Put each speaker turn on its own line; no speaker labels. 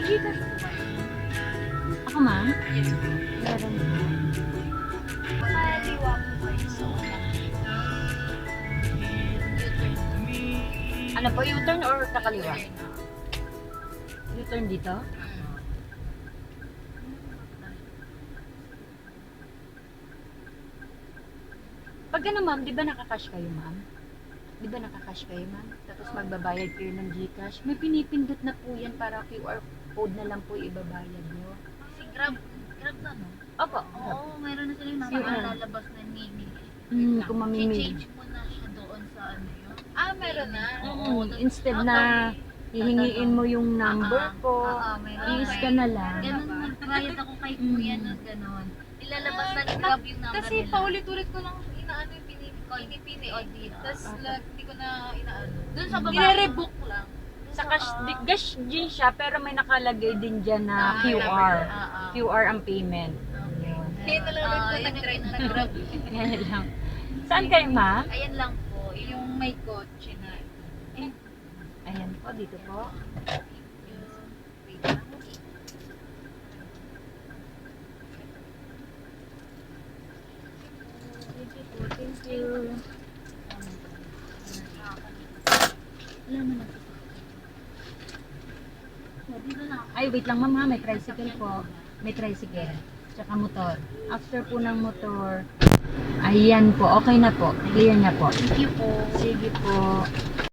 Gcash po ba? Ako, ma'am?
Yes po.
Meron po.
Kaliwa po kayo sa una.
Ano po, U-turn or kakaliwa?
U-turn.
U-turn dito? Pag ano, ma'am, di ba nakakash kayo, ma'am? Di ba nakakash kayo, ma'am? Tapos magbabayad kayo ng Gcash. May pinipindot na po yan para QR code na lang po ibabayad nyo.
Si Grab na no?
Opo.
Oo, mayroon na sila yung
QR.
lalabas na mini.
Kung mamimili.
I-change mo na siya doon sa ano yun. Ah, meron na?
Instead na hihingiin mo yung number ko,
meron.
i-scan na lang.
Ganun, nag-trial ako kay Kuya na gano'n. Ilalabas na ni Grab yung number
Kasi
nila.
paulit-ulit ko lang inaano yung pinipili.
O, di.
Tapos hindi ko na inaano.
Doon sa baba.
Nire-rebook lang.
Sa cash din siya, pero may nakalagay din dyan na QR. QR ang payment.
Kaya nalagay ko nag-grab.
Yan lang. Saan kayo, ma?
Ayan lang po.
Yung may kotse na.
Ayan po, dito po.
Wait lang.
Thank you. Ay, wait lang, ma'am, ha. May tricycle po. May tricycle. Tsaka motor. After po ng motor, ayan po. Okay na po. Clear na po.
Thank you po.
Sige po.